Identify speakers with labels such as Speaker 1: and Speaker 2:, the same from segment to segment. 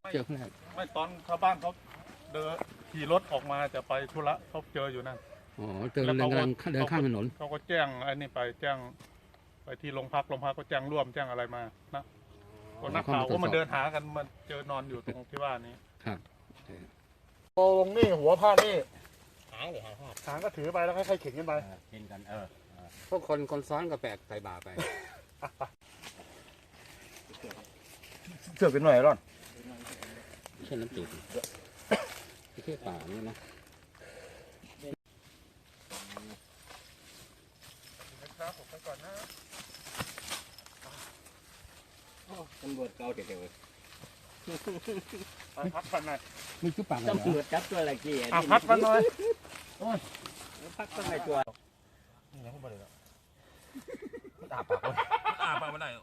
Speaker 1: เจอข้างหน้า
Speaker 2: ไม่ตอนชาวบ้านเขาเดินขี่รถออกมาจะไปธุระเขาเจออยู่นั่น
Speaker 1: อ๋อเจอกำลังเดินข้ามถนน
Speaker 2: เขาก็แจ้งไอ้นี่ไปแจ้งไปที่โรงพักก็แจ้งร่วมแจ้งอะไรมานะคนนักข่าวก็มาเดินหากันมาเจอนอนอยู่ตรงที่ว่านี้
Speaker 1: ครับ
Speaker 2: โอ้ลงนี่หัวผ้านี่
Speaker 3: หางเลย
Speaker 2: หางก็ถือไปแล้วค่อยๆเข็นกันไป
Speaker 3: เห็นกัน
Speaker 1: พวกคนซ้อนก็แบกใส่บ่าไป
Speaker 3: เสือเป็นหน่อยร่อน
Speaker 1: ไม่ใช่น้ำจืดไม่ใช่ป่านี่นะครับ
Speaker 2: ผมไปก่อนนะ
Speaker 3: ตำรวจเก่าเด็กๆเลย
Speaker 2: พักกันหน่อย
Speaker 1: มีชุดป่า
Speaker 3: ตำรวจจับตัวอะไรกี่
Speaker 2: พักกันหน่อย
Speaker 3: พักตัวไหนตัว
Speaker 2: นี่นะคุณบริษัท
Speaker 3: อาปาก
Speaker 2: ไม่ได้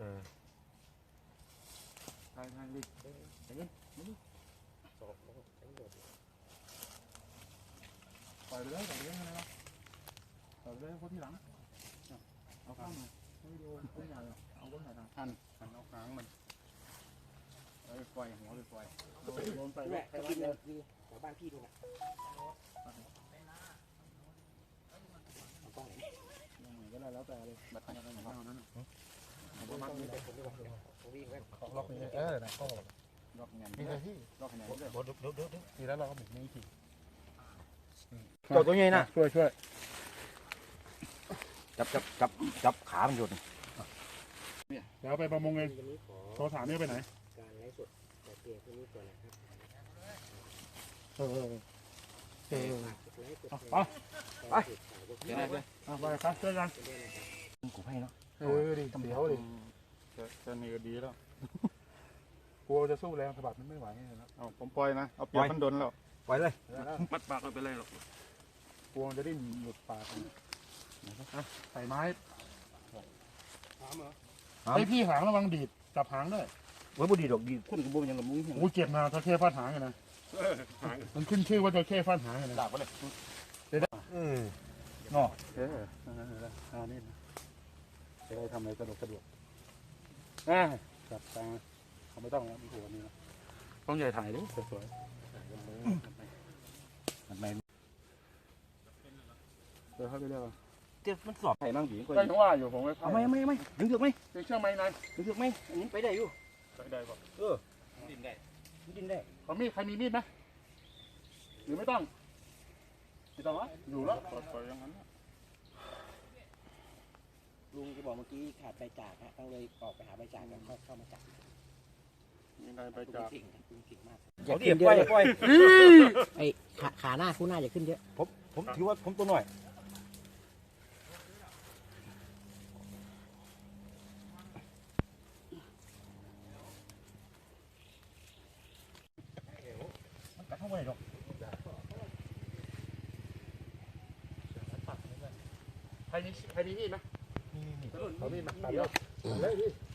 Speaker 2: ทางดิปล่อยไปเลยนะปล่อยไปเลยคนที่หลังเอาข้างมาไม่โดนต้นใหญ่เอาต้นใหญ่หันเอาหางมันปล่อยหัวเลยปล่อยโดนไป
Speaker 3: แม่กินเลยแถวบ้านพี่ดูนะ
Speaker 2: ก็ได้แล้วแต่เลยบัตรอะไรของเรานั้นล็อกนี่ล็อกนี่นะก็ล็อกเงินนี่เลยที่ล็อกเงินด้วยทีแล้วเราก็หมุนนี่ที
Speaker 3: ตัวใหญ่นะ
Speaker 2: ช่วย
Speaker 3: จับขามันหยุด
Speaker 2: เดี๋ยวไปประมงเองโทรถามนี่ไปไหน
Speaker 3: การไลฟ์สดแต่เกียร์ตัวนี้ก่อนนะครับ
Speaker 2: ไปครับเจอกัน
Speaker 3: กูให้เนาะ
Speaker 2: ดีเสียวดิจะเหนื่อยดีแล้วกลัวจะสู้แรงสะบัดมันไม่ไหวแล้วเอาผมปล่อยนะเอาเปลี่ยนมันโดนแล้ว
Speaker 3: ปล่อยเลย
Speaker 2: มัดปากไปเลยหรอกกลัวจะได้หลุดปากใส่ไม้ไอพี่หางระวังดีดจับหางด้วย
Speaker 3: ว่าบุดีดอกดีคนกับบุยังกับมุ้ง
Speaker 2: โอ้เจ็บนะตะเข้ฟาดหางนะมันขึ้นชื่อว่าตะเข้ฟาดหางนะ
Speaker 3: ดาบไปเลย
Speaker 2: เนาะนี่นะจะได้ทำอะไรสะดวกจับตาเขาไม่ต้องนะมีหัวนี่นะต้องใหญ่ถ่ายดิสวย
Speaker 3: มันไม่
Speaker 2: เดี๋ยวเข้าไปเรียก
Speaker 3: เดี๋ยวมันสอบไถ่บ้างบี
Speaker 2: ก็ยังว่าอยู่ผม
Speaker 3: ไม่ดึงเถือกไหม
Speaker 2: ดึงเชือกไหมนาย
Speaker 3: ดึงเถือกไหมอันนี้ไปได้อยู่
Speaker 2: ไปได้ป่ะ
Speaker 3: ดินได้
Speaker 2: เขามีใครมีมีดไหมหรือไม่ต้องอยู่แล้วปล่อยอย่างนั้น
Speaker 3: ลุงจะบอกเมื่อกี้ขาดใบจากฮะต้องเลยออกไปหาใบจากแล้วเข้ามาจับ
Speaker 2: มีนายใบจาก
Speaker 3: เก่งมากอย่าขึ้นเยอะไอ้ขาหน้าคู่หน้าอย่าขึ้นเยอะผมถือว่าผมตัวหน่อยมันกัดเข้าไปหรอก
Speaker 2: ใครมีมีดไหมเขามีดมาเดี๋ยวเลยพี่